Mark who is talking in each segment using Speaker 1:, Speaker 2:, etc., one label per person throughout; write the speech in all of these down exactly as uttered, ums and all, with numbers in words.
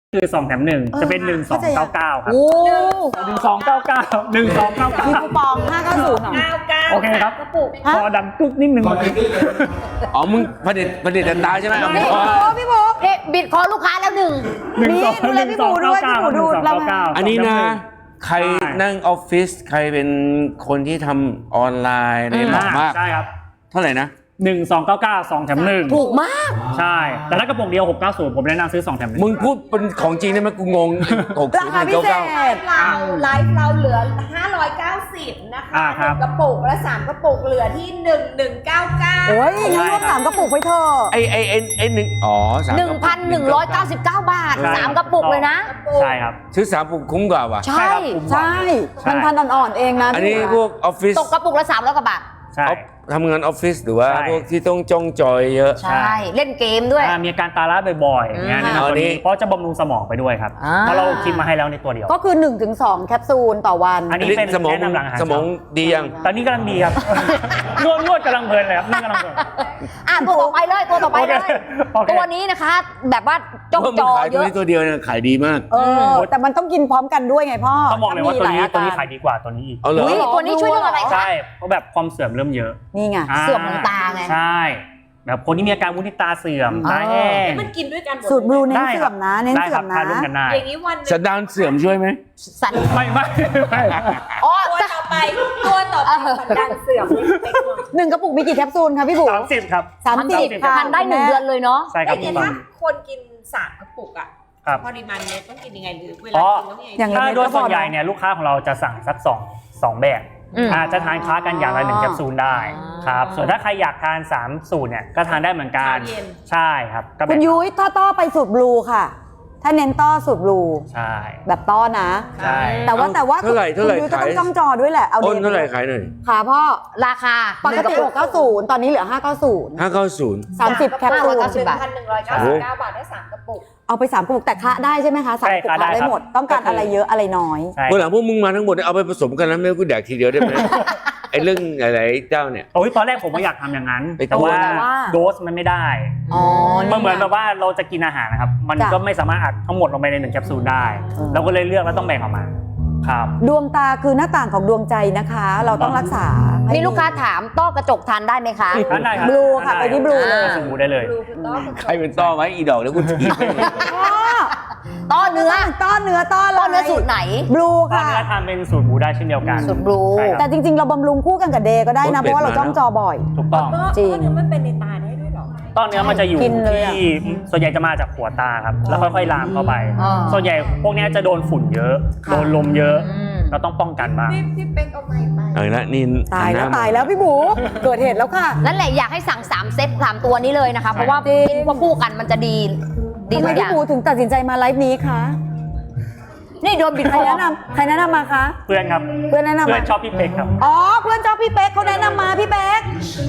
Speaker 1: คือสองแถมหนึ่งจะเป็นหนึ่งสองเก้าเก้าครับ
Speaker 2: โอ้
Speaker 1: หนึ่งสองเก้าเก้าหนึ่งสองเก้าเก้า
Speaker 2: มีคูปองห้าเก้าศูนย์เหรอ
Speaker 1: โอเคครับ
Speaker 3: กระปุก
Speaker 1: พอดังตุ๊กนิดนึง
Speaker 4: อ๋อมึงผลิตผลิตตาใช่ไหม
Speaker 2: พี่
Speaker 4: อ๋อ
Speaker 2: โบ๊พี่โบ๊
Speaker 3: เอ๊ะบิดคอลูกค้าแล้วหนึ่ง
Speaker 1: หนึ่ง
Speaker 2: นี่
Speaker 1: สอง
Speaker 2: ดูแลพี่หมูด้วยพี่หมูดู
Speaker 1: หนึ่งสองเก้าเก้า
Speaker 4: อันนี้นะใครนั่งออฟฟิศใครเป็นคนที่ทำออนไลน์เนี่ยเหมาะมาก
Speaker 1: ใช่ครับ
Speaker 4: เท่าไหร่นะ
Speaker 1: หนึ่งสองเก้าเก้าสองแถมหนึ่ง
Speaker 3: ถูกมาก
Speaker 1: ใช่ แต่ถ้ากระปุกเดียวหกเก้าศูนย์ผมแนะนำซื้อสองแถมหนึ่ง
Speaker 4: มึงพูดเป็นของจริงได้ไหมกูงงหก
Speaker 2: รา
Speaker 4: ศูน
Speaker 2: คา
Speaker 4: ย์
Speaker 2: พิ
Speaker 4: เก้า
Speaker 2: เศ
Speaker 4: เก้า
Speaker 2: ษ
Speaker 5: เราไลฟ์เราเหลือห้าร้อยเก้าสิบนะคะ
Speaker 1: อ่าครับ
Speaker 5: หนึ่งกระปุกและสามกระปุกเหลือที่หนึ่งหนึ่งเก้าเก้า
Speaker 2: โอ้ยงั้นรวมสามกระปุกไปเถอะ
Speaker 4: ไอไอไอไอหนึ่งอ๋อสาม
Speaker 3: หนึ่งพันหนึ่งร้อยเก้าสิบเก้าบาทสามกระปุกเลยนะ
Speaker 1: ใช่ครับ
Speaker 4: ซื้อสามปุกคุ้มกว่าว่ะ
Speaker 3: ใช่
Speaker 1: ครับคุ้มกว่า
Speaker 2: ใช่พันพันอ่อนๆเองนะ
Speaker 4: อันนี้พวกออฟฟิศ
Speaker 3: ตกกระปุกละสามร้อยกว่าบาท
Speaker 1: ใช่
Speaker 4: ทำงานออฟฟิศหรือว่า
Speaker 1: ใช่
Speaker 4: พวกที่ต้องจ้องจอยเยอะ
Speaker 3: ใช่ เล่นเกมด้วย
Speaker 1: อ่ามีอาการตาล้าบ่อยๆอย่างเงี้ย
Speaker 3: อืม
Speaker 1: แนะนำตัว
Speaker 4: อันนี้
Speaker 1: นี้เพราะจะบำรุงสมองไปด้วยครับ
Speaker 3: อ่า
Speaker 1: เพราะเราคิดมาให้แล้วในตัวเดียว
Speaker 2: ก็คือ หนึ่งถึงสอง แคปซูลต่อวัน
Speaker 1: อันนี้เป็น
Speaker 4: สมอง
Speaker 1: แนะนำหลังอาหาร
Speaker 4: สมองดียัง
Speaker 1: ตอนนี้กำลังดีครับ นวดนวดกำลังเพลินเลยครับนวดกำลังเพลิน
Speaker 3: อ่ะตัวต่อไปเลยตัวต่อไปเลย
Speaker 1: โอเค
Speaker 3: ตัวนี้นะคะ แบบว่าจ้อง
Speaker 4: ว่า
Speaker 3: จ
Speaker 4: มึง
Speaker 3: อ
Speaker 4: ขาย
Speaker 3: เย
Speaker 4: ตัว
Speaker 3: อะ
Speaker 4: นี้ตัวเดียวเนี่ยขายดีมาก
Speaker 2: เออ แต่มันต้องกินพร้อมกันด้วยไงพ่อ
Speaker 1: ต้องบอกเลยว่าตัวนี้
Speaker 2: ถ้มีหล
Speaker 1: ตัวนี้
Speaker 2: อ
Speaker 1: ขายดีกว่าตัวนี้อีก
Speaker 4: เอาเหรอ
Speaker 3: อุ๊ยตัวนี้ช่วยเรื่องอะไรคะ
Speaker 1: ใช่เพราะแบบความเสื่อมเริ่มเยอะ
Speaker 2: นี่ไง
Speaker 1: า
Speaker 3: เสื่อมของตาไง
Speaker 1: ใช่แบบคนที่มีอาการวุ้นที่ตาเสื่อมตาแห้ง
Speaker 5: มันกินด้วยกันหมด
Speaker 2: สูตรบลูเน้น
Speaker 1: ได้
Speaker 2: เสื่อมนะ เน้น
Speaker 1: ได้
Speaker 2: เสื่
Speaker 1: ค
Speaker 2: อ
Speaker 1: รับ
Speaker 2: มนะ
Speaker 1: ทานร่วมกันได้
Speaker 5: อย่างนี้วันหนึ
Speaker 4: สัน
Speaker 5: ง
Speaker 4: ดานเสื่อมช่วยไหม
Speaker 3: สัน
Speaker 1: ไม่ไม่ไม่
Speaker 3: อ๋อ
Speaker 5: ตัว
Speaker 3: สัน
Speaker 5: ต่อไปตัวต่อไปสันดานเสื่อมเล็กน้อย
Speaker 2: หนึ่งกระปุกมีกี่แคปซูลคะพี่บุ๋
Speaker 1: สามสิบครับ
Speaker 2: สามสิบ
Speaker 1: 30
Speaker 2: ค่ะ
Speaker 3: ทานได้หนึ่งเดือนเลยเนาะ
Speaker 1: ใช่ครับ
Speaker 5: เอ้ย
Speaker 1: ถู
Speaker 5: แต่
Speaker 1: กต้อง
Speaker 5: ถ้าคนกินสามกระปุกอะ
Speaker 1: ครับ
Speaker 5: ปริมาณเนี้ยต้องกินยังไงหรือเว
Speaker 1: อ๋
Speaker 5: ลา
Speaker 1: อ
Speaker 5: กินต้องยังไง
Speaker 2: อย่าง
Speaker 1: ถ้าโดยส่วนใหญ่เนี่ยลูกค้าของเราจะสั่งสักสองสองแบบ
Speaker 3: อืม
Speaker 1: อาจจะทานค้ากันอย่างละหนึ่งแคปซูลได้
Speaker 3: อ่า
Speaker 1: ครับส่วนถ้าใครอยากทานสามสูตรเนี่ยก็ทานได้เหมือนกัน
Speaker 5: เช้าเย็น
Speaker 1: ใช่ครับก็
Speaker 2: คุ
Speaker 1: แบ่
Speaker 2: ณ
Speaker 1: ง
Speaker 2: ยุ้ยต้อต้อไปสูตรบลูค่ะ ถ้าเน้นต้อสูตรบลู
Speaker 1: ใช่
Speaker 2: แบบต้อนะ
Speaker 1: ใช่
Speaker 2: แต่ว่าแต่ว่า
Speaker 4: เท่าไหร่เท่าไหร่
Speaker 2: คุณยุ้ยก็ต้อง
Speaker 4: ขาย
Speaker 2: จ้องจอด้วยแหละ เอา
Speaker 4: อ้น
Speaker 2: เด่น
Speaker 4: เท่าไหร่ขายหน่อย
Speaker 2: ค่ะพ่อ
Speaker 3: ราคา
Speaker 2: ปกติหกเก้าศูนย์ตอนนี้เหลือห้าเก้าศูนย์
Speaker 4: ห้าเก้าศูนย์
Speaker 2: สามสิบแคปซูล
Speaker 3: ห้าร้อยเก้าสิบ
Speaker 5: หนึ่งพันหนึ่งร้อยเก้าสิบเก้าบาทได้สามกระปุก
Speaker 2: เอาไปสามกระปุกแต่คละได้ใช่ไหมคะสามกระปุกคละได้หมด ต้องการอะไรเยอะอะไรน้อย
Speaker 1: ใช่
Speaker 4: เมื่อหลังพวกมึงมาทั้งหมดเนี่ยเอาไปผสมกันแล้วไม่ให้กูแดกทีเดียวได้ไหม ไอ้เรื่องหลายๆเจ้าเนี่ย
Speaker 1: โอ้ยตอนแรกผมก็อยากทำอย่างนั้น
Speaker 4: ไป
Speaker 1: แต่ว่า
Speaker 2: แต่ว่า
Speaker 1: โดสมันไม่ได้
Speaker 2: อ๋อ
Speaker 1: มันเหมือนแบบว่าเราจะกินอาหารนะครับ มัน
Speaker 2: จ้ะ
Speaker 1: ก็ไม่สามารถอัดทั้งหมดลงไปในหนึ่งแคปซูลได้
Speaker 2: เออ
Speaker 1: เราก็เลยเลือกแล้วต้องแบ่งออกมาครับ
Speaker 2: ดวงตาคือหน้าต่างของดวงใจนะคะ เราต้องรักษาให้
Speaker 3: มีลูกค้าถามต้อกระจกทานได้ไหมคะ
Speaker 1: ทานได้ครับ
Speaker 2: Blue ค่ะไปที่ Blue เลย
Speaker 1: สมูได้เลย
Speaker 5: ดูคุณต้อคุณ
Speaker 4: ใครเป็นต้อไว้อีดอกแล้วกูถีบไปเลย
Speaker 2: พ่อ
Speaker 3: ต้อเนื้อ
Speaker 2: ต้อเนื้อต้ออะไร
Speaker 3: ต้อเนื้อสูตรไหน
Speaker 2: บลู
Speaker 1: ตอน
Speaker 2: ค่ะ
Speaker 1: นี้ทานเป็นสูตรหมูได้เช่นเดียวกัน
Speaker 3: สูตร Blue
Speaker 1: ใช่ครับ
Speaker 2: แต่จริงๆ เราบำรุงคู่กันกับเดย์ก็ได้นะ
Speaker 4: รถ
Speaker 2: เพ
Speaker 4: เบ็ด
Speaker 2: ราะว่าเรา
Speaker 4: มา
Speaker 2: จ้องจอบ่อย
Speaker 1: ถูกต้อง
Speaker 5: ต้อ
Speaker 2: จริง
Speaker 5: ต้อเนื้อมันเป็นในตาได้ด้วยเหรอ
Speaker 1: ต้นเนื้อมันจะอยู่
Speaker 2: กินเลยอะ
Speaker 1: ที่ส่วนใหญ่จะมาจากหัวตาครับ แล้วค่อยๆลามเข้าไป
Speaker 3: อ่า
Speaker 1: ส่วนใหญ่พวกเนี้ยจะโดนฝุ่นเยอะ
Speaker 2: ค่ะ
Speaker 1: โดนลมเยอะ
Speaker 3: อืม
Speaker 1: เราต้องป้องกันบ้าง
Speaker 5: พี่พี่เป๊กเอาไม้ไป
Speaker 4: เอาละนี่
Speaker 2: ตายแล้ว
Speaker 4: หันหน้
Speaker 2: ตายแล้วพี่บูเกิดเหตุแล้วค่ะ
Speaker 3: นั่นแหละอยากให้สั่งสามเซตสามตัวนี้เลยนะคะ เพราะว่า
Speaker 2: จริง
Speaker 3: กินควบคู่กันมันจะดีดี
Speaker 2: ทำไม
Speaker 3: ทุกอ
Speaker 2: พี่
Speaker 3: ย่าง
Speaker 2: บูถึงตัดสินใจมาไลฟ์นี้คะ
Speaker 3: นี่โดนบิด
Speaker 2: ใค
Speaker 3: ค
Speaker 2: ร
Speaker 3: อ
Speaker 2: แนะนำใครแนะนำมาคะ
Speaker 1: เพื่อนครับ
Speaker 2: เพื่อนแนะนำ
Speaker 1: เพื่อ
Speaker 2: มาน
Speaker 1: ชอบพี่เป็กครับ
Speaker 2: อ๋อเพื่อนชอบพี่เป๊กเขาแนะนำมาพี่เป๊ก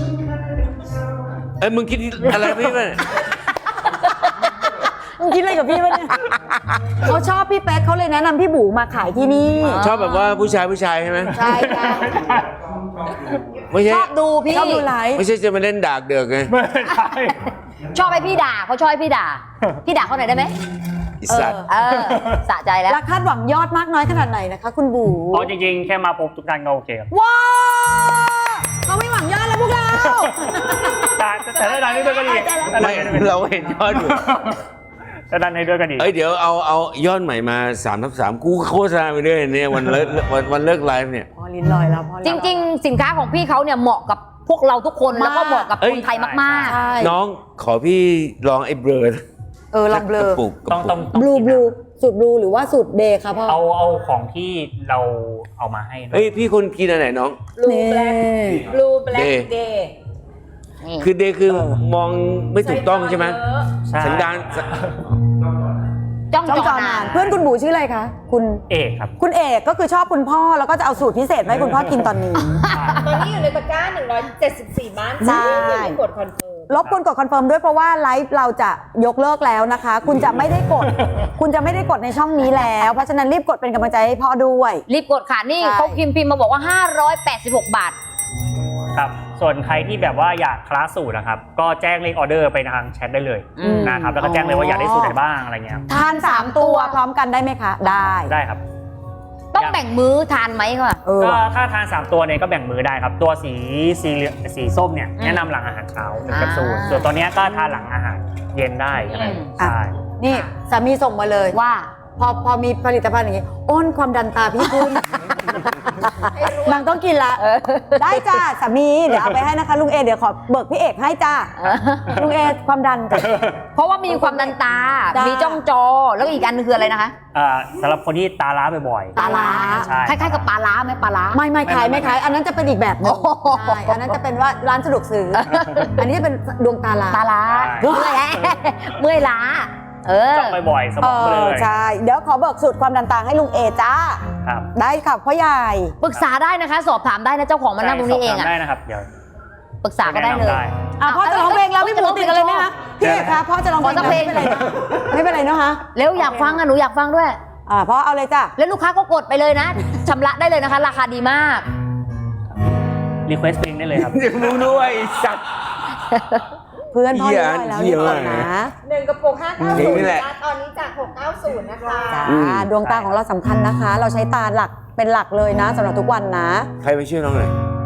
Speaker 4: เอ้ยมึงคิดอะไรพี่มัน
Speaker 2: มึงคิดอะไรกับพี่วะเนี่ยเขาชอบพี่เป๊กเขาเลยแนะนำพี่บูมาขายที่นี่
Speaker 4: ชอบแบบว่าผู้ชายผู้ชายใช่ไหม
Speaker 2: ใช่ค่ะ
Speaker 4: ไม่ใช่
Speaker 3: ชอบดูพี่
Speaker 2: ชอบดูไลฟ์
Speaker 4: ไม่ใช่จะมาเล่นดากเดือกไง
Speaker 1: ไม่ใช่
Speaker 3: ชอบให้พี่ด่าเขาชอบให้พี่ด่า พี่ด่าเขาหน่อยได้ไหม
Speaker 4: ไอีสัตว์
Speaker 3: เออสะใจแล้ว
Speaker 2: แล้วคาดหวังยอดมากน้อยขนาดไหนนะคะ คุณบู
Speaker 1: อ๋อจริงๆ แค่มาพบทุกท่านก็โอเคครับ
Speaker 2: ว้าวเขาไม่หวังยอดแล้วพวกเรา
Speaker 1: แต่แต่ถ้าดันให้ด้วยก็ดี
Speaker 4: ไม่เราเห็นยอดอยู่
Speaker 1: ถ้าดันให้ด้วยก็ดี
Speaker 4: เอ้ยเดี๋ยวเอาเอายอดใหม่มาสามทับสามกูโฆษณาไปเรื่อยเนี่ยวันเลิกวันวันเลิกไลฟ์เนี่ย
Speaker 2: พอลิ้นลอยแล้วพอ
Speaker 3: จริง ๆ สินค้าของพี่เขาเนี่ยเหมาะกับพวกเราทุกคนแล้วก็เหมาะกับ
Speaker 4: เอ้
Speaker 3: ค
Speaker 4: ย
Speaker 3: นไทยมาก
Speaker 2: ใช่
Speaker 4: น้องขอพี่ลองไอ้เบลอ
Speaker 2: เออลองเบลอก
Speaker 4: ระปุกกระ
Speaker 1: ต้อง
Speaker 4: ปุก
Speaker 1: ต้อง
Speaker 2: บลูบลูสูตรบลูหรือว่าสูตรเดย์คะพ่อ
Speaker 1: เอาเอาของที่เราเอามาให้นะ
Speaker 4: เฮ้ยพี่คนกินอันไหนน้อง
Speaker 5: บลูแบล็คบลูแบล็ค
Speaker 4: Day
Speaker 5: เดย์
Speaker 3: ๆนี่
Speaker 4: คือเดย์คือมองไม่ถูกต้องใช่ไหม
Speaker 1: ใช่
Speaker 4: สันดาน
Speaker 3: จ้อง
Speaker 2: จ้อง
Speaker 3: จ
Speaker 2: จ
Speaker 3: อ
Speaker 2: อนาน
Speaker 3: าน น
Speaker 2: เพื่อนคุณบูชื่ออะไรคะคุณ
Speaker 1: เอกครับ
Speaker 2: คุณเอกก็คือชอบคุณพ่อแล้วก็จะเอาสูตรพิเศษมาให้คุณพ่อกินตอนนี้
Speaker 5: ตอนนี้อยู่ในตะกร้าหนึ่งร้อยเจ็ดสิบสี่บ้าน
Speaker 2: ใช่
Speaker 5: อย่าลืมกดคอนเฟิร์ม
Speaker 2: รบกวนกดคอนเฟิร์มด้วยเพราะว่าไลฟ์เราจะยกเลิกแล้วนะคะ คุณจะไม่ได้กด คุณจะไม่ได้กดในช่องนี้แล้ว เพราะฉะนั้นรีบกดเป็นกำลังใจให้พ่อด้วย
Speaker 3: รีบกดค่ะนี่
Speaker 2: ใช่
Speaker 3: เขาพิมพ์พิมพ์มาบอกว่าห้าร้อยแปดสิบหกบาท
Speaker 1: ครับส่วนใครที่แบบว่าอยากคลาสสูตรนะครับก็แจ้งเลขออเดอร์ไปทางแชทได้เลย
Speaker 3: อืม
Speaker 1: นะครับแล้วก็แจ้งเลยว่าอยากได้สูตรไหนบ้างอะไรเงี้ย
Speaker 2: ทานสามตัวพร้อมกันได้ไหมคะ ได้
Speaker 1: ได้ครับ
Speaker 3: ต้องแบ่งมื้อทานไหมคะ
Speaker 2: เออ
Speaker 1: ก็ถ้าทานสามตัวเนี่ยก็แบ่งมือได้ครับตัวสีสีเหลืองสีส้มเนี่ย
Speaker 3: อืม
Speaker 1: แนะนำหลังอาหารเช้าหนึ่ง
Speaker 3: อ่า
Speaker 1: แคปซูลส่วนตัวเนี้ยก็ทานหลังอาหารเย็นได้ใช่ไหม
Speaker 3: อืม
Speaker 1: ใช่
Speaker 2: นี่สามีส่งมาเลย
Speaker 3: ว่า
Speaker 2: พอพอมีผลิตภัณฑ์อย่างนี้อ้นความดันตาพี่ขึ้น นางต้องกินละ
Speaker 3: เออ
Speaker 2: ได้จ้าสามีเดี๋ยวเอาไปให้นะคะลุงเอเดี๋ยวขอเบิกพี่เอกให้จ้าลุงเอความดันจ้ะ
Speaker 3: เพราะว่ามีความดันตา
Speaker 2: จ้ามี
Speaker 3: มีจ้องจอ แล้วก็อีกอันนึงคืออะไรนะคะ
Speaker 1: อ่าสำหรับคนที่ตาล้าบ่อยๆ
Speaker 2: ตาล้า
Speaker 1: ใช่
Speaker 3: คล้ายๆกับปลาล้าไหมปลาล้า
Speaker 2: ไม่ไม่ขายไม่ขายอันนั้นจะเป็นอีกแบบหนึง
Speaker 3: โอ้โห
Speaker 2: ใช่อันนั้นจะเป็นว่าร้านสะดวกซื้อ อันนี้จะเป็นดวงตาลา
Speaker 3: ตาล้า
Speaker 1: ใช่
Speaker 3: เมื่อยเมื่อยล้า เออ
Speaker 1: จ้องบ่อยๆสม
Speaker 2: เอ
Speaker 1: องเล
Speaker 2: อย ใช่เดี๋ยวขอเบิกสูตรความดันตาให้ลุงเอจ้า
Speaker 1: ครับ
Speaker 2: ได้ค่ะพ่อใหญ่
Speaker 3: ปรึกษาได้นะคะ สอบถามได้นะเจ้าของมานั่งตรงนี้เอง
Speaker 1: สบถาม
Speaker 3: อ่ะ
Speaker 1: ได้นะครับเดี๋ยว
Speaker 3: ปรึกษาก็ได้เลย
Speaker 1: แนะนำได้
Speaker 2: อ่ะพ่อจะร้องเพลงแล้วพี่หมูติดอะไรไหมคะพี่เอกคะพ่อจะร้องเพลง
Speaker 3: ขอสักเพลง
Speaker 2: ไม่เป็นไรนะไม่เป็นไรเนอะคะ
Speaker 3: เร็วอยากฟังอ่ะหนูอยากฟังด้วย
Speaker 2: อ่าพ่อเอาเลยจ้ะ
Speaker 3: แล้วลูกค้าก็กดไปเลยนะชำระได้เลยนะคะ ราคาดีมาก
Speaker 1: รีเควสเพลงได้เลยครับ
Speaker 4: เดี๋ยวมึงด้วยไอ้สัตว์
Speaker 2: เพื่อนพ่อ
Speaker 4: เหี้ย
Speaker 2: ได้แล้ว
Speaker 4: เหี้
Speaker 2: เรี
Speaker 4: ย
Speaker 2: ยบร้อย
Speaker 4: มาก
Speaker 2: นะ
Speaker 5: หนึ่งกระปุกห้าเก้า
Speaker 4: เพล
Speaker 5: ศู
Speaker 4: ง
Speaker 5: น
Speaker 4: นี่
Speaker 5: ย์
Speaker 4: แหละ
Speaker 5: ตอนนี้จากหกเก้าศูนย์นะคะ
Speaker 2: จ้า
Speaker 4: อืม
Speaker 2: ดวงตาของเราสำคัญนะคะ เราใช้ตาหลักเป็นหลักเลยนะสำหรับทุกวันนะ
Speaker 4: ใครไปช่วยน้องหน่อย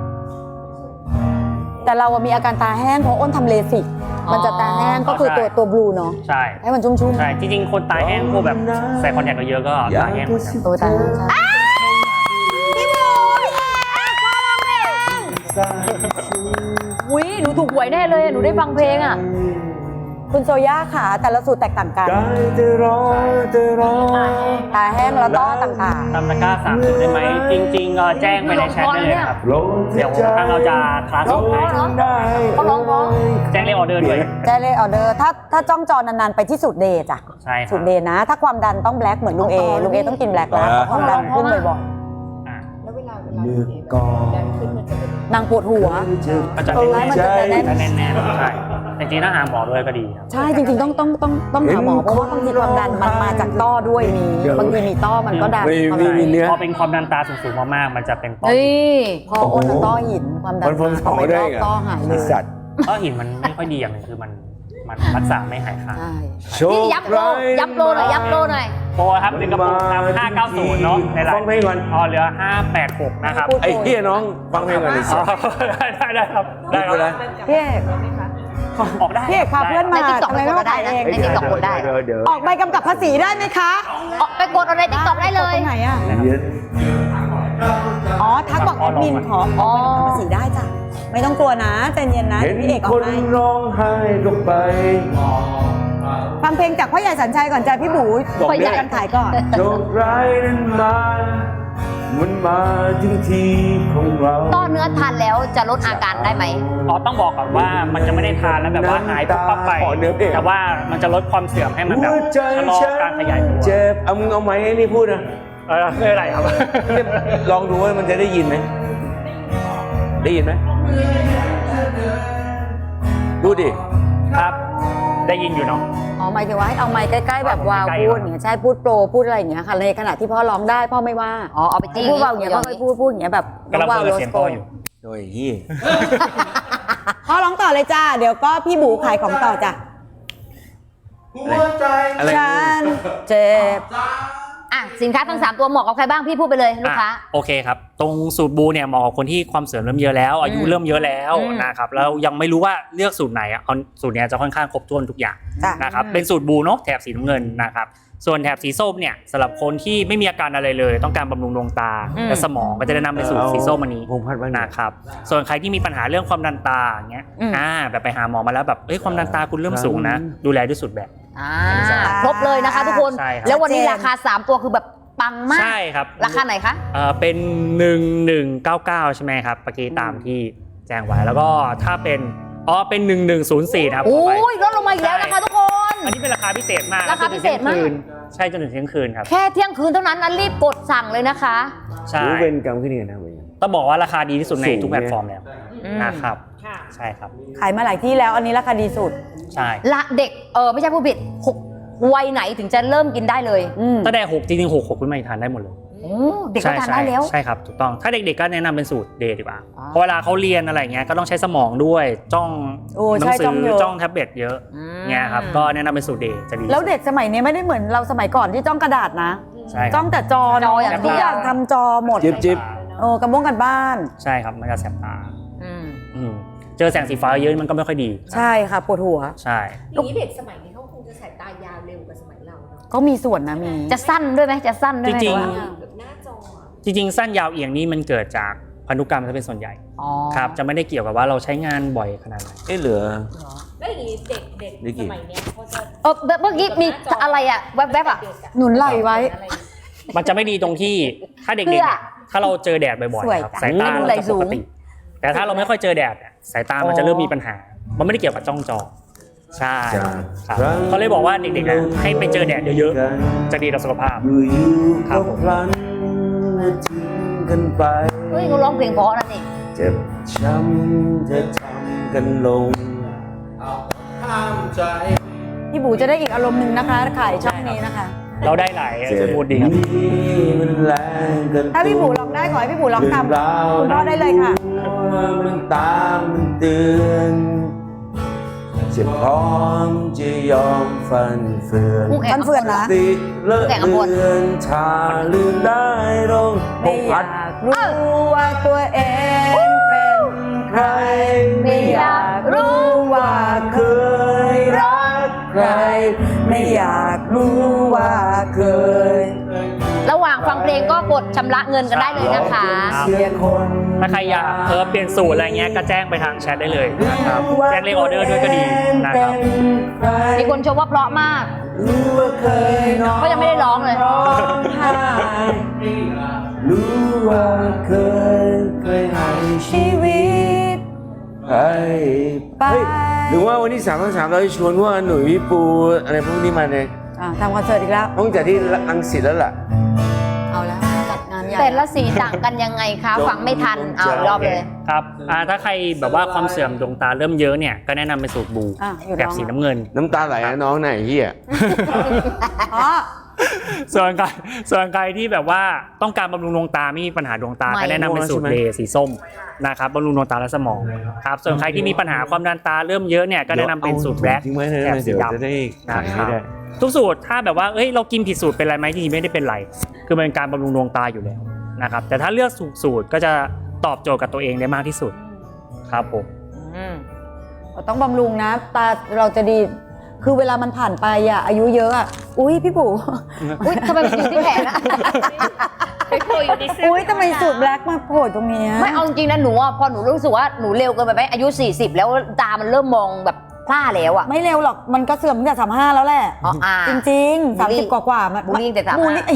Speaker 2: แต่เราอะมีอาการตาแห้งเพราะอ้นทำเลสิก
Speaker 3: อ๋อ
Speaker 2: มันจะตาแห้งก็คือตัวตัวบลูเนาะ
Speaker 1: ใช่
Speaker 2: ให้มันชุ่มๆ
Speaker 1: ใช่จริงๆคนตาแห้งพวกแบบใส่คอนแทคเยอะๆก็ตาแห้งเหมือนกัน
Speaker 2: ตัวตาแห้งใช่พี่หมูพี่เอกพ่อร้องเพลง
Speaker 3: อุ้ยหนูถูกหวยแน่เลยอะหนูได้ฟังเพลงอ่ะ
Speaker 2: คุณโซย่าค่ะแต่ละสูตรแตกต่างกัน
Speaker 4: ได้แต่รอแต่รอ
Speaker 2: ตาแห้งแล้วก็ต่าง
Speaker 1: ทำตะกร้าสามสูตรได้ไหมจริงๆเอ่อแจ้งไปในแชทได้เลยนะครับ
Speaker 4: ลง
Speaker 1: เดี๋ยวทางเราจะคลาสสูตรให้
Speaker 4: ได้
Speaker 3: เขาร้องเพราะ
Speaker 1: แจ้งเลขออเดอร์ด้วย
Speaker 2: ๆได้เลยออเดอร์ถ้าถ้าจ้องจอนานๆไปที่สูตรเดย์จ้ะ
Speaker 1: ใช่ครั
Speaker 2: สู
Speaker 1: บ
Speaker 2: ตรเดย์นะ ถ้าความดันต้องแบล็กเหมือนลุงเอลุงเอต้องกินแบล็กแล้วเพราะความดันขึ้นบ่อย
Speaker 1: อ่า
Speaker 5: แล้วเวลาเวลา
Speaker 4: เลือกก่อน
Speaker 5: ดันขึ้นมันจะเป็น
Speaker 2: ๆนางปวดหัว
Speaker 1: ก็จะ
Speaker 2: เออมันจะแน่น
Speaker 1: จะแน่นๆใช่แต่จริงๆถ้าหาหมอด้วยก็ดีครับ
Speaker 2: ใช่จริงๆต้องต้องต้องต้องหาหมอเพราะว่าบางทีความดันมันมาจากต้อด้วยมีบางทีมีต้อมันก็ดัน
Speaker 4: ไม่
Speaker 2: เข้า
Speaker 4: ไม่
Speaker 2: ไป
Speaker 4: มีเนื้อ
Speaker 1: พอเป็นความดันตาสูงๆมากๆมันจะเป็นต้อ
Speaker 3: เฮ้ย
Speaker 2: พออ้นอะต้อหินความดัน
Speaker 4: มันพ้น
Speaker 2: พอไป
Speaker 4: ได้
Speaker 2: ต้อ
Speaker 4: ไง
Speaker 2: ต้อหายเล
Speaker 4: ไอ้
Speaker 2: ย
Speaker 4: สัตว์
Speaker 1: ต้อหินมันไม่ค่อยดีอย่างหนึงคือมันมันรักษาไม่หายขาด
Speaker 2: ใช่
Speaker 4: โชค
Speaker 3: นี่ย้ำโล
Speaker 4: ร้าย
Speaker 3: ย้ำโลหน่อยย้ำโลหน่อย
Speaker 1: โปรครับหนึ่งกระปุกครับห้าเก้าศูนย์เนาะในไล
Speaker 4: ฟังเพลงก่อน
Speaker 1: อ๋อเหลือห้าแปดหกนะครับ
Speaker 2: พูด
Speaker 4: ไอ้เหี้ยน้องฟังเพลงก่อนไอ้
Speaker 1: อ๋
Speaker 4: สั
Speaker 1: อ
Speaker 4: ตว์
Speaker 1: ได้ได้ได้ครับได้ค
Speaker 4: พูดไปเล
Speaker 1: รั
Speaker 4: ย
Speaker 1: บ
Speaker 2: พี่เอก
Speaker 1: ออกได้
Speaker 2: พี่เอกพาเพื่อน
Speaker 3: ใน
Speaker 2: มา
Speaker 3: ติ๊กต็อก
Speaker 2: ทำไมไม่มาขายเอง
Speaker 3: ในติ๊กต็อกกดได้
Speaker 4: เดี๋ยวเดี๋ยว
Speaker 2: ออกใบกำกับภาษีได้ไหมคะ
Speaker 3: ออกไปกดเอาในติ๊กต็อกได้เลย
Speaker 2: ตรงไหนอ่ะ
Speaker 4: เดี๋ยว
Speaker 2: อ๋อทักบอกแอดมินขอออกใบกำกับภาษีได้จ้ะไม่ต้องกลัวนะใจเย็นนะ
Speaker 4: เห็
Speaker 2: เดี๋ยวน พี่เอกอ
Speaker 4: ค
Speaker 2: อก
Speaker 4: น
Speaker 2: ให้
Speaker 4: ร้องไห้ก็ไป
Speaker 2: ฟังเพลงจากพ่อใหญ่สัญชัยก่อนจ้ะพี่บู
Speaker 3: พ่อใหญ่
Speaker 2: กันขายก่อน
Speaker 4: โชคร้ายนั้นมา มันมาถึงทีของเรา
Speaker 3: ต้อเนื้อทานแล้วจะลดอาการได้ไหม
Speaker 1: อ๋อต้องบอกก่อนว่ามันจะไม่ได้ทานแล้วแบบว่าหายปุ๊บปั๊บไป
Speaker 4: ขอเนื้อเพลง
Speaker 1: แต่ว่ามันจะลดความเสื่อมให้มันแบบ
Speaker 4: หัวใจ
Speaker 1: ชะลอ
Speaker 4: ฉัน
Speaker 1: การขยายตัว
Speaker 4: เจ็บเอามึงเอาไหมให้นี่พูดนะ
Speaker 1: เออไม่เป็นไรครับ
Speaker 4: ลองดูว่ามันจะได้ยินไหม ได้ยินไหมดูดิ
Speaker 1: ครับ ได้ยินอยู่เนาะ
Speaker 2: อ๋อหมายถึงว่าให้เอาไมค์ใกล้ๆแบบวาว
Speaker 1: ใกล้ๆ
Speaker 2: พูดอย่างเงี้ยใช่พูดโปรพูดอะไรอย่างเงี้ยค่ะในขณะที่พ่อร้องได้พ่อไม่ว่า
Speaker 3: อ๋อเอาไปจี้
Speaker 2: พูดวาวอย่างเงี้ยพ่อไม่พูดพูดอย่างเงี้ยแบบ
Speaker 1: กำลัง
Speaker 2: วาว
Speaker 1: เปิด
Speaker 2: โร
Speaker 1: เสีย
Speaker 2: ส
Speaker 1: ง
Speaker 2: โก
Speaker 1: พ่ออยู่
Speaker 4: โอ้ยเฮีย
Speaker 2: พ่อร้องต่อเลยจ้าเดี๋ยวก็พี่บูขายของต่อจ้ะ
Speaker 4: อะไร
Speaker 2: ฉันเจ็บ
Speaker 3: อ่ะสินค้าทั้งสามตัวเหมาะกับใครบ้างพี่พูดไปเลยลูกค้า
Speaker 1: อ่ะโอเคครับ ตรงสูตรบูเนี่ยเหมาะกับคนที่ความเสื่อมเริ่มเยอะแล้ว อายุ
Speaker 3: อืม
Speaker 1: เริ่มเยอะแล้ว
Speaker 3: อืม
Speaker 1: นะครับแล้วยังไม่รู้ว่าเลือกสูตรไหนอ่ะเอาสูตรเนี้ยจะค่อนข้างครบถ้วนทุกอย่าง
Speaker 2: จ้ะ
Speaker 1: นะครับเป็นสูตรบูเนาะแถบสีน้ำเงินนะครับส่วนแถบสีส้มเนี่ยสำหรับคนที่ไม่มีอาการอะไรเลย ต้องการบำรุงดวงตา
Speaker 3: อืม
Speaker 1: และสมองก็จะแนะนำเป็นสูตรสีส้มอันนี้
Speaker 4: พงพัดบ้างนะ
Speaker 1: นะครับส่วนใครที่มีปัญหาเรื่องความดันตาอย่างเงี้ย
Speaker 3: อืม
Speaker 1: อ่าแบบไปหาหมอมาแล้วแบบเอ้ยความดันตาคุณเริ่มสูงนะ ดูแลด้วยสูตรแบบ
Speaker 3: อ่า
Speaker 1: ใช่
Speaker 3: ครบเลยนะคะทุกคน
Speaker 1: ใช่ครับ
Speaker 3: แล้ววันนี้ราคาสามตัวคือแบบปังมาก
Speaker 1: ใช่ครับ
Speaker 3: ราคาไหนคะ
Speaker 1: เอ่อเป็นหนึ่งหนึ่งเก้าเก้าใช่ไหมครับเมื่อกี้ตามที่แจ้งไว้แล้วก็ถ้าเป็นอ๋อเป็นหนึ่งหนึ่งศูนย์สี่นะครับ
Speaker 3: โอ้
Speaker 1: ขอไป
Speaker 3: ยลดลงมาอีกแล้วนะคะทุกคน
Speaker 1: อันนี้เป็นราคาพิเศษมาก
Speaker 3: ราคาพิเศษมาก
Speaker 1: จนถึงเที่ยงคืนใช่จนถึงเที่ยงคืนครับ
Speaker 3: แค่เที่ยงคืนเท่านั้นนะรีบกดสั่งเลยนะคะ
Speaker 1: ใช่
Speaker 4: รู้เป็นกรรมขึ้นเนี่ยนะเว้ย
Speaker 1: ต้องบอกว่าราคาดีที่สุดใน
Speaker 4: สูง
Speaker 1: ทุกแพลตฟอร์มแล้ว
Speaker 3: อืม
Speaker 1: นะครับ
Speaker 5: ค่ะ
Speaker 1: ใช่ครับ
Speaker 2: ขายมาหลายที่แล้วอันนี้ราคาดีสุด
Speaker 1: ใช่
Speaker 3: ละเด็กเออไม่ใช่ผู้ผิดหกวัยไหนถึงจะเริ่มกินได้เลย
Speaker 2: อืม
Speaker 1: ตั้งแต่หกจริงๆหกหกขึ้นมาทานได้หมดเลย
Speaker 3: อโอ้เด็กก็ทานได้แล้ว
Speaker 1: ใช่ครับถูกต้องถ้าเด็กๆก็แนะนำเป็นสูตรเดย์ดีกว่า
Speaker 3: อ๋อ
Speaker 1: เพราะเวลาเขาเรียนอะไรเงี้ยก็ต้องใช้สมองด้วยจ้อง
Speaker 2: โอ้
Speaker 1: หนั
Speaker 2: ใช่
Speaker 1: สื
Speaker 2: จ้องเยอะ
Speaker 1: จ้องแท็บเล็ตเยอะ
Speaker 3: อืม
Speaker 1: เงี้ยครับก็แนะนำเป็นสูตรเดย์จะดี
Speaker 2: แล้วเด็กสมัยนี้ไม่ได้เหมือนเราสมัยก่อนที่จ้องกระดาษนะ
Speaker 1: ใช่ค
Speaker 2: จ้
Speaker 1: รั
Speaker 2: อบ งแต่จอ
Speaker 3: จอ
Speaker 2: เนาะ
Speaker 3: อย่างเดียว
Speaker 2: ทุกอย่างทำจอหมด
Speaker 4: จิ๊บจิ๊บ
Speaker 2: โอ้กระบ้งกันบ้าน
Speaker 1: ใช่ครับมันจะแสบตา
Speaker 3: อืม
Speaker 1: อืมเจอแสงสีฟ้าเยอะมันก็ไม่ค่อยดี
Speaker 2: ใช่ค่ะปวดหัว
Speaker 1: ใช่
Speaker 5: อย่างนี้เด็กสมัยนี้เขาคงจะสายตายาวเร็วกว่าสมัยเราเนาะ
Speaker 2: ก็มีส่วนนะมี
Speaker 3: จะสั้นด้วยไหมจะสั้นด้วยไหม
Speaker 1: จริง
Speaker 3: หอว่า
Speaker 5: แบบหน้าจออะ
Speaker 1: จริงๆสั้นยาวเอียงนี่มันเกิดจากพันธุกรรมซะเป็นส่วนใหญ่
Speaker 3: อ๋อ
Speaker 1: ครับจะไม่ได้เกี่ยวกับว่าเราใช้งานบ่อยขนาดไหน
Speaker 4: เอ๊ะเหลือ
Speaker 5: แล้วอย่างนี้เด็กเด็ก
Speaker 4: ได้กี่
Speaker 5: สมัยเนี้ยเขาจะ
Speaker 3: เออเมื่อกี้มีอะไรอะแวบๆอะ
Speaker 2: หนุนไหล่ไว้
Speaker 1: มันจะไม่ดีตรงที่ถ้าเด็ก
Speaker 3: เพื่อ
Speaker 1: ๆถ้าเราเจอแดดบ่อย
Speaker 2: สวย
Speaker 1: ๆครับ
Speaker 2: จัง
Speaker 1: สายตา
Speaker 3: ให้ดู
Speaker 1: เรา
Speaker 3: ไหล่
Speaker 1: จะ
Speaker 3: สู
Speaker 1: ป
Speaker 3: ง
Speaker 1: กติ แต่ถ้าเราไม่ค่อยเจอแดดเนี่ยสายตามันจะเริ่มมีปัญหา มันไม่ได้เกี่ยวกับจ้องจอใช่ครับเขาเลยบอกว่าเด็กๆนะให้ไปเจอแดดเยอะๆจะดีต่อสุขภาพ
Speaker 4: อยู่ๆ
Speaker 1: ครั
Speaker 4: ก็
Speaker 1: บผม
Speaker 4: พลันทิ้งกันไป
Speaker 3: เฮ้ยเขาร้องเพลงเพราะนะนี่
Speaker 4: เจ็บช้ำจะทำกันลง
Speaker 2: พี่บูจะได้อีกอารมณ์หนึ่งนะคะขายช่องนี้นะคะ
Speaker 1: เราได้หลายสมูทดีครับ
Speaker 4: นี้มันแรงเกิน
Speaker 2: ถ้าพี่บูลองได้ขอให้พี่บูลองทำ
Speaker 4: เรื่องราว
Speaker 2: คุณพ่อได้เลยค่ะ
Speaker 4: มันตามมันเตือนจะพร้อมจะยอมฟันเฟือน
Speaker 3: คู่แข่ง
Speaker 2: ฟันเฟือนนะ
Speaker 4: ติดเลิก
Speaker 3: แข่งกับคน
Speaker 4: เลือนชาลืมได้ลงพ
Speaker 2: ไม่
Speaker 4: ก
Speaker 2: อ
Speaker 4: พั
Speaker 2: ยา
Speaker 4: ด
Speaker 2: กรู้ว่าตัวเองเป็นใคร ไม่อยากรู้ว่าเคยรักใคร ไม่อยากรู้ว่าเคย
Speaker 3: ระหว่างฟังเพลงก็กดชำระเงินกันได้เลยนะคะ
Speaker 4: เสียคน
Speaker 1: ถ้าใครอยากเพิ่มเปลี่ยนสูตรอะไรเงี้ยก็แจ้งไปทางแชทได้เลยนะครับแจ้งเลขออเดอร์ด้วยก็ดีนะครับ
Speaker 3: มีคนชมว่าเพราะมาก
Speaker 4: รู้ว่าเคยนอน
Speaker 3: ก็ยังไม่ได้ร้องเลย
Speaker 4: ร้องไห้รู้ว่าเคยเคยให้ชี
Speaker 2: ชีวิต
Speaker 4: ให้
Speaker 2: ไป
Speaker 4: เฮ้ยหรือว่าวันที่สามทั้งสามเราจะชวนพวกหนุ่ยพี่ปูอะไรพวกนี้มาเนี่ย
Speaker 2: อ่ะทำคอนเสิร์ตอีกแล้ว
Speaker 4: ต้องจากที่รังสิตแล้วล่ะ
Speaker 2: เอาแล้วจัดงานใหญ่
Speaker 3: แต่ละสีต่างกันยังไงคะ ฟังไม่ทัน เอาอีกรอบเลย
Speaker 1: ครับอ่าถ้าใครแบบว่าความเสื่อมดวงตาเริ่มเยอะเนี่ยก็แนะนำเป็นสูตรบู
Speaker 2: อ่ะอยู่
Speaker 1: แบบ
Speaker 2: ร้อง
Speaker 1: สีน้ำเงิน
Speaker 4: น้ำตาไหลนะน้องไหนเฮีย
Speaker 2: อ๋อ
Speaker 1: ส่วนใครส่วนใครที่แบบว่าต้องการบำรุงดวงตาไม่มีปัญหาดวงตา
Speaker 3: ไม่
Speaker 1: ก็แนะนำเป็นสูตรเดย์สีส้มนะครับบำรุงดวงตาและสมองครับส่วนใครที่มีปัญหาความดันตาเริ่มเยอะเนี่ยก็แนะนำเป็นสูตรแบล็ค
Speaker 4: ทิ้งไว้เลย
Speaker 1: แถบสี
Speaker 4: เดี๋ยว
Speaker 1: ดำ
Speaker 4: จะได้ขายให้ได้
Speaker 1: ทุกสูตรถ้าแบบว่าเอ้ยเรากินผิดสูตรเป็นไรไหมจริงๆไม่ได้เป็นไร คือมันเป็นการบำรุงดวงตาอยู่แล้วนะครับแต่ถ้าเลือกถูกสูตรก็จะตอบโจทย์กับตัวเองได้มากที่สุดครับผม
Speaker 3: อืม
Speaker 2: เราต้องบำรุงนะ ตาเราจะดี คือเวลามันผ่านไปอ่ะอายุเยอะอ่ะ อุ้ยพี่บู
Speaker 3: อุ้ยทำไมมันอยู่ที่แขนอะ
Speaker 5: ไปโผล่อยู่ในเสื้อ
Speaker 2: อุ้ยทำไมสูตรแบล็กมาโผล่ตรงเนี้ย
Speaker 3: ไม่เอาจริงๆนะหนูอ่ะพอหนูรู้สึกว่าหนูเร็วเกินไปไหมอายุสี่สิบแล้วตามันเริ่มมองแบบพร่าแล้วอ่ะ
Speaker 2: ไม่เร็วหรอกมันก็เสื่อมตั้งแต่สามห้าแล้วแหละ
Speaker 3: อ๋ออ่า
Speaker 2: จริงๆ
Speaker 3: บู
Speaker 2: สา
Speaker 3: ล
Speaker 2: ม
Speaker 3: ลี่
Speaker 2: สิบกว่าๆมัน
Speaker 3: บูลลี่แต่สาม
Speaker 2: บู
Speaker 3: ห้า
Speaker 2: ลลี่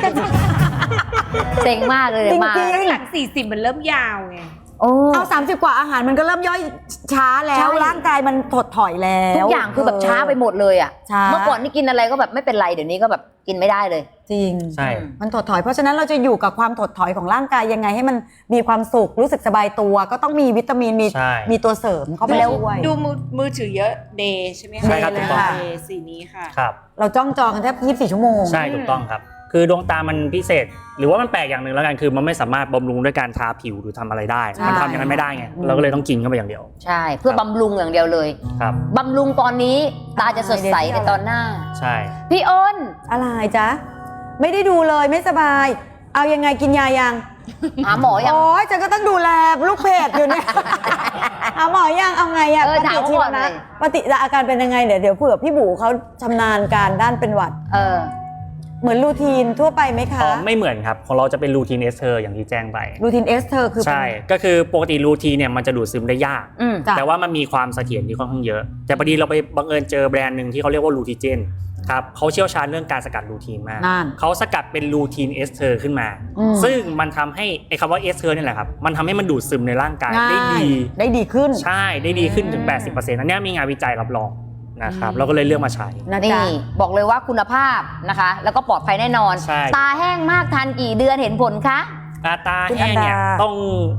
Speaker 3: เซ็งมากเลย
Speaker 2: จริง
Speaker 3: มา
Speaker 2: จริง
Speaker 5: หลังสี่สิบมันเริ่มยาวไง
Speaker 3: โอ้
Speaker 2: เอาสามสิบกว่าอาหารมันก็เริ่มย่อยช้าแล้
Speaker 3: ใช่
Speaker 2: วร่างกายมันถดถอยแล้ว
Speaker 3: ทุกอย่างคือแบบช้าไปหมดเลยอ่ะ
Speaker 2: ช้า
Speaker 3: เมื่อก่อนนี่กินอะไรก็แบบไม่เป็นไรเดี๋ยวนี้ก็แบบกินไม่ได้เลย
Speaker 2: จริง
Speaker 1: ใช่
Speaker 2: มันถดถอยเพราะฉะนั้นเราจะอยู่กับความถดถอยของร่างกายยังไงให้มันมีความสุขรู้สึกสบายตัว ก็ต้องมีวิตามินมี
Speaker 1: ใช่
Speaker 2: มีตัวเสริมเข้าไป
Speaker 3: แล้ว
Speaker 2: ด้วย
Speaker 5: ดูมือมือถือเยอะเดย์ใช่ไหมคะ
Speaker 1: ใช่ครับ
Speaker 2: เดย์
Speaker 1: ถูกต้อง
Speaker 5: เดย์สีนี้ค่ะ
Speaker 1: ครับ
Speaker 2: เราจ้องจอกันแทบยี่สิบสี่ชั่วโมง
Speaker 1: ใช่ถูกต้องครับ คือดวงตามันพิเศษ หรือว่ามันแปลกอย่างหนึ่งแล้วกันคือมันไม่สามารถบำรุงด้วยการทาผิวหรือทำอะไรได้
Speaker 2: ใช่
Speaker 1: มันทำอย่างนั้นไม่ได้ไงเราก็เลยต้องกินเข้าไปอย่างเดียว
Speaker 3: ใช่ เพื่อบำรุงอย่างเดียวเลย
Speaker 1: ครับ
Speaker 3: บำรุงตอนนี้ตาจะสดใสในตอนหน้า
Speaker 1: ใช่
Speaker 3: พี่อ้น
Speaker 2: อะไรจ๊ะไม่ได้ดูเลยไม่สบาย เอายังไงกินยายัง
Speaker 3: หาหมอยัง
Speaker 2: โอ้ยฉันก็ต้องดูแลลูกเพจอยู่เนี่ย เอาหมอยังเอาไงอะ
Speaker 3: เออ
Speaker 2: ป
Speaker 3: ถาม
Speaker 2: ฏิ
Speaker 3: เขา
Speaker 2: ชี
Speaker 3: ก่
Speaker 2: ว
Speaker 3: อนเล
Speaker 2: นะ
Speaker 3: ย
Speaker 2: ปฏิอาการเป็นยังไงเดี๋ยวเดี๋ยวเผื่อพี่บูเขาชำนาญการด้านเป็นหวัด
Speaker 3: เออ
Speaker 2: เหมือนรูทีนทั่วไปไหมคะ
Speaker 1: อ๋อไม่เหมือนครับของเราจะเป็นรูทีนเอสเทอร์อย่างที่แจ้งไป
Speaker 2: รูทีนเอสเธอคือเป็น
Speaker 1: ใช่ก็คือปกติรูทีนเนี่ยมันจะดูดซึมได้ยาก
Speaker 3: อืม
Speaker 2: จ้ะ
Speaker 1: แต่ว่ามันมีความเสถียรที่ค่อนข้างเยอะ แต่พอดีเราไปบังเอิญเจอแบรนด์หนึ่งที่เขาเรียกว่ารูทิเจนครับเขาเชี่ยวชาญเรื่องการสกัดรูทีนมาก
Speaker 2: นั่น
Speaker 1: เขาสกัดเป็นรูทีนเอสเทอร์ขึ้นมา
Speaker 2: อืม
Speaker 1: ซึ่งมันทำให้ไอ้คำว่าเอสเทอร์นี่แหละครับมันทำให้มันดูดซึมในร่างกายได้ดี
Speaker 2: ได้ดีขึ้น
Speaker 1: ใช่ได้ดีขึ้นถึง แปดสิบเปอร์เซ็นต์ อันเนี้ยมีงานวิจัยรับรองนะครับเราก็เลยเลือกมาใช้
Speaker 2: นะ
Speaker 3: นี่
Speaker 2: จ๊ะ
Speaker 3: บอกเลยว่าคุณภาพนะคะ แล้วก็ปลอดภัยแน่นอน
Speaker 1: ใช่
Speaker 3: ตาแห้งมากทานกี่เดือนเห็นผลคะ
Speaker 1: อาตา
Speaker 2: คุณ
Speaker 1: แห้งเนี่ย
Speaker 2: อันดา
Speaker 1: ต้อง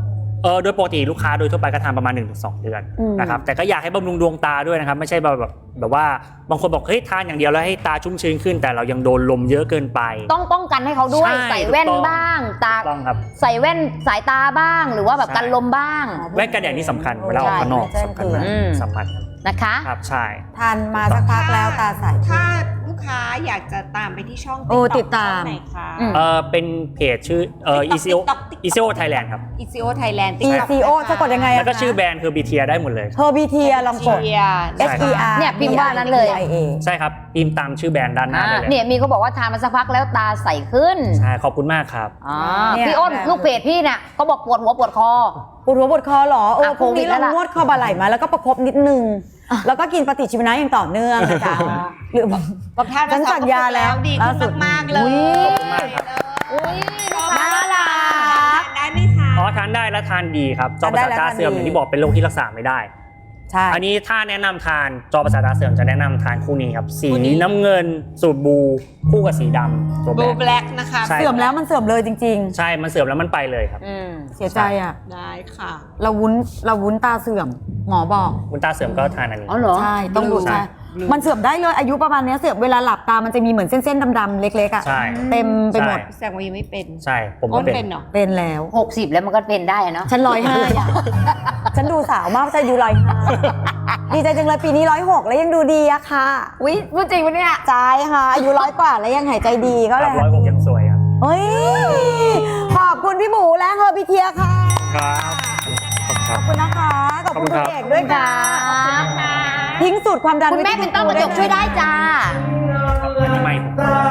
Speaker 1: เออโดยปกติลูกค้าโดยทั่วไปก็ทานประมาณ หนึ่งถึงสอง เดือน
Speaker 2: อืม
Speaker 1: นะครับแต่ก็อยากให้บำรุงดวงตาด้วยนะครับไม่ใช่แบบแบบแบบว่าบางคนบอกเฮ้ยทานอย่างเดียวแล้วให้ตาชุ่มชื้นขึ้น แต่เรายังโดนลมเยอะเกินไป
Speaker 3: ต้องป้องกันให้เขาด้วย
Speaker 1: ใช่
Speaker 3: ใส่แว่น
Speaker 1: ถูกต้อง
Speaker 3: บ้างตา
Speaker 1: ถูกต้องครับ
Speaker 3: ใส่แว่นสายตาบ้าง หรือว่าแบบ
Speaker 1: ใช่
Speaker 3: กันลมบ้าง
Speaker 1: แว่นกันแดดนี่สำคัญเวลาออกข้างนอก
Speaker 2: ใช่
Speaker 1: สำคัญ
Speaker 2: ใช่
Speaker 1: มาก
Speaker 3: อืม
Speaker 1: สำคัญครับ
Speaker 3: นะคะ
Speaker 1: ครับใช่
Speaker 2: ทานมาสักพักแล้วตาใส
Speaker 5: ถ้าลูกค้าอยากจะตามไปที่ช่อง
Speaker 2: โอ้
Speaker 5: TikTok
Speaker 2: ติดตาม
Speaker 5: ช่องไหนคะ
Speaker 3: อืม
Speaker 1: เออเป็นเพจชื่อเออ
Speaker 5: TikTok
Speaker 1: ECO
Speaker 5: TikTok TikTok
Speaker 1: ECO Thailand ครับ
Speaker 5: อี ซี โอ Thailand
Speaker 2: E C O สะกดยังไงอะ
Speaker 1: แล้วก็ชื่อแบรนด์คือ บี ที อาร์ ได้หมดเลย
Speaker 2: เฮอร์บีเทียลองกด
Speaker 1: ใช่
Speaker 2: S E R
Speaker 3: เนี่ยพิมพ์ว่านั้นเลย
Speaker 2: B I A
Speaker 1: ใช่ครับพิมพ์ตามชื่อแบรนด์ด้านหน้า
Speaker 3: อ่า
Speaker 1: ได้เลย
Speaker 3: เนี่ยมีเขาบอกว่าทานมาสักพักแล้วตาใสขึ้น
Speaker 1: ใช่ขอบคุณมากครับ
Speaker 3: อ่า
Speaker 2: เนี่ย
Speaker 3: พี่อ้น
Speaker 2: แบบ
Speaker 3: ลูกเพจพี่เนี่ยเขาบอกปวดหัวปวดคอ
Speaker 2: ปวดหัวปวดคอเหรอเออ
Speaker 3: อ่ะ
Speaker 2: พรุ่งนี้
Speaker 3: โควิดแล้
Speaker 2: เรา
Speaker 3: วล่ะ
Speaker 2: นวดคอบาไหล่มาแล้วก็ประคบนิดนึง แล้วก็กินปฏิชีวนะอย่างต่อเนื่องนะจ๊ะหรือ
Speaker 5: บอกทาน
Speaker 2: ฉั
Speaker 5: มาน สอง
Speaker 2: สัญญาแล้ว
Speaker 5: ดี
Speaker 2: ล่า
Speaker 5: ขึ้
Speaker 2: สุ
Speaker 5: น
Speaker 2: ด
Speaker 5: มากๆเลย
Speaker 3: อุ๊ย
Speaker 1: ขอบคุณมากครับ
Speaker 3: อุ้ยลูกค้า
Speaker 2: น่ารัก
Speaker 5: ทานได้ไหมคะ
Speaker 1: อ๋อทานได้และทานดีครับจอประสาทตาเสื่อมอย่างที่บอกเป็นโรคที่รักษาไม่ได้
Speaker 2: ใช่
Speaker 1: อันนี้ถ้าแนะนำทานจอประสาทตาเสื่อมจะแนะนำทานคู่นี้ครับสีน้ำเงินสูตรบูคู่กับสีดำตัว
Speaker 5: บ
Speaker 1: แบ
Speaker 5: ลู
Speaker 1: บ
Speaker 5: แบล็กนะคะ
Speaker 1: ใช่
Speaker 2: เสื่อมแล้วมันเสื่อมเลยจริง
Speaker 1: ใช่มันเสื่อมแล้วมันไปเลยครับ
Speaker 3: อืม
Speaker 2: ๆ เสียใจอ่ะ
Speaker 5: ได้ค่ะ
Speaker 2: เราวุ้นเราวุ้นตาเสื่อม หมอบอก
Speaker 1: คุณตาเสื่อมก็ทานอันนี้
Speaker 3: อ๋อเหรอ
Speaker 2: ใช่ต้องดู
Speaker 1: ใช่
Speaker 2: ใช่มันเสื่อมได้เลยอายุประมาณเนี้ยเสื่อมเวลาหลับตามันจะมีเหมือนเส้นๆดำๆเล็กๆอ่ะ
Speaker 1: ใช่
Speaker 2: เต็มไปหมด
Speaker 1: ใช่
Speaker 5: แสดงว่ายังไม่เป็น
Speaker 1: ใช่ผม
Speaker 5: อ้
Speaker 1: ก็
Speaker 5: น
Speaker 1: เป็น
Speaker 5: เป็นเหรอ
Speaker 2: เป็นแล้ว
Speaker 3: หกสิบแล้วมันก็เป็นได้อะเนาะ
Speaker 2: ฉันร้อยห้าอ่ะ ฉันดูสาวมากฉันอายุร้อยห้าดีใจจังเลยปีนี้ร้อยหกแล้วยังดูดีอะค่ะ
Speaker 3: อุ้ยพูดจริงปะเนี่ย
Speaker 2: ใจค่ะ อายุร้อยกว่าแล้วยังหายใจดีก็
Speaker 1: ค
Speaker 2: เล
Speaker 1: รับ
Speaker 2: ย
Speaker 1: ร้อยหกยังสวยครับ
Speaker 2: เฮ้ย ขอบคุณพี่หมูและเฮอร์บิเทียค่ะ
Speaker 1: ครับขอบคุณครับ
Speaker 2: ขอบคุณนะคะ ขอบคุณ
Speaker 1: ขอบคุณครับ
Speaker 2: คุณเอกด้วยค่ะ
Speaker 3: ค่ะ
Speaker 2: ทิ้งสูตรความดัน
Speaker 3: คุณแม่เป็นต้อกระจกช่วยได้จ้า
Speaker 1: อันนี้ไม่ผม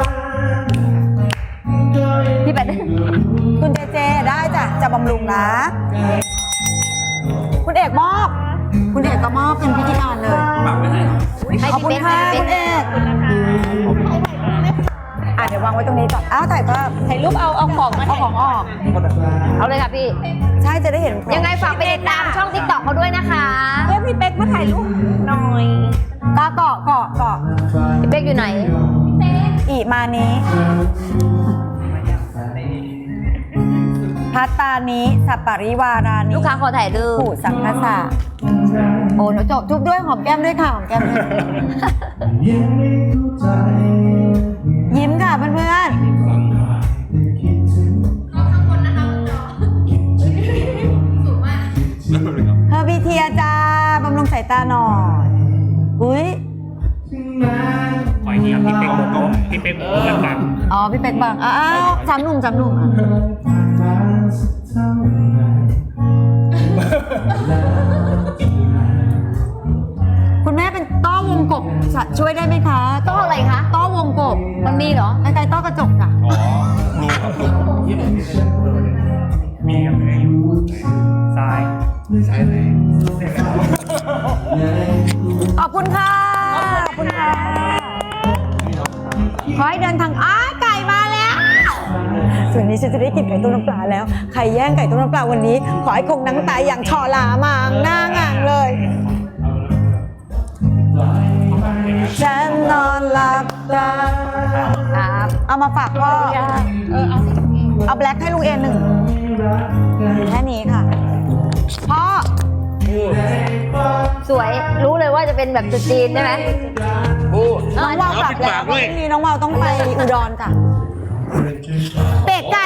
Speaker 3: พี่แปด
Speaker 2: คุณเจเจได้จ้ะจะบำรุงนะ คุณเอกมอบ คุณเอกก็มอบเป็นพิธีการเลย
Speaker 3: ให้
Speaker 2: ขอบ
Speaker 3: พี่
Speaker 2: คุณ
Speaker 3: เป๊ก
Speaker 2: ค่ะ
Speaker 3: ให้
Speaker 2: คุณ
Speaker 3: พี่
Speaker 2: เอ
Speaker 3: เป๊ก
Speaker 2: กอ่ะเดี๋ยววางไว้ตรงนี้ก่อนอ้าวถ่ายภาพ
Speaker 5: ถ่ายรูปเอาเอาของมา
Speaker 2: เอาของออก
Speaker 3: เอาเลยค่ะพี่
Speaker 2: ใช่จะได้เห็นของ
Speaker 3: ยังไงฝากไปติดตามช่องติ๊กต็อกเขาด้วยนะคะ
Speaker 5: เรียกพี่เป๊กมาถ่ายรูปหน่อย
Speaker 2: ตาเกาะเกาะเกาะ
Speaker 3: พี่เป๊กอยู่ไหน
Speaker 2: อีมานี้ พัตตานิสัปปริวารานิ
Speaker 3: ลูกค้าขอถ่ายรูป
Speaker 2: ผู้สังคสะโอ้หนูจบทุกด้วยหอมแก้มด้วยค่ะหอมแก้มด้วยยิ้มค่ะเพื่อนๆเฮอร์บิเทียจ้าบำรุงสายตาหน่อยอุ้ย
Speaker 1: ขออีกทีครับพี่เป๊กโมโก้พี่เป๊กโมโก้หลัง
Speaker 2: อ๋อพี่เป็กบังอ้าวจำหนุ่มจำหนุ่มอ่ะคุณแม่เป็นต้อวงกบจะช่วยได้ไหมคะ
Speaker 3: ต้ออะไรคะ
Speaker 2: ต้อวงกบ
Speaker 3: มันมีเหรอ
Speaker 2: ใกล้ๆต้อกระจกจ้ะ
Speaker 1: มีครับซ้าย
Speaker 2: ขอบคุณค่ะขอบคุณค่ะขอให้เดินทางอ้าไก่มาแล้วส่วนนี้ฉันจะได้กินไก่ต้มน้ำปลาแล้วใครแย่งไก่ต้มน้ำปลาวันนี้ ขอให้คงหนังตายอย่างชอลามางหน้างางเลยฉันนอนหลับตา
Speaker 3: ครับ
Speaker 2: เอามาฝากพ่อ
Speaker 5: เออเอาสิ
Speaker 2: เอาแบล็คให้ลุงเอหนึ่งแค่นี้ค่ะ พ่อ
Speaker 3: สวย รู้เลยว่าจะเป็นแบบจุดจีนใช่ไหม
Speaker 2: น้องวาวกลับแล้วพรุ่งนี้น้องวาวต้องไปอุดรจ้ะเป็ดไก่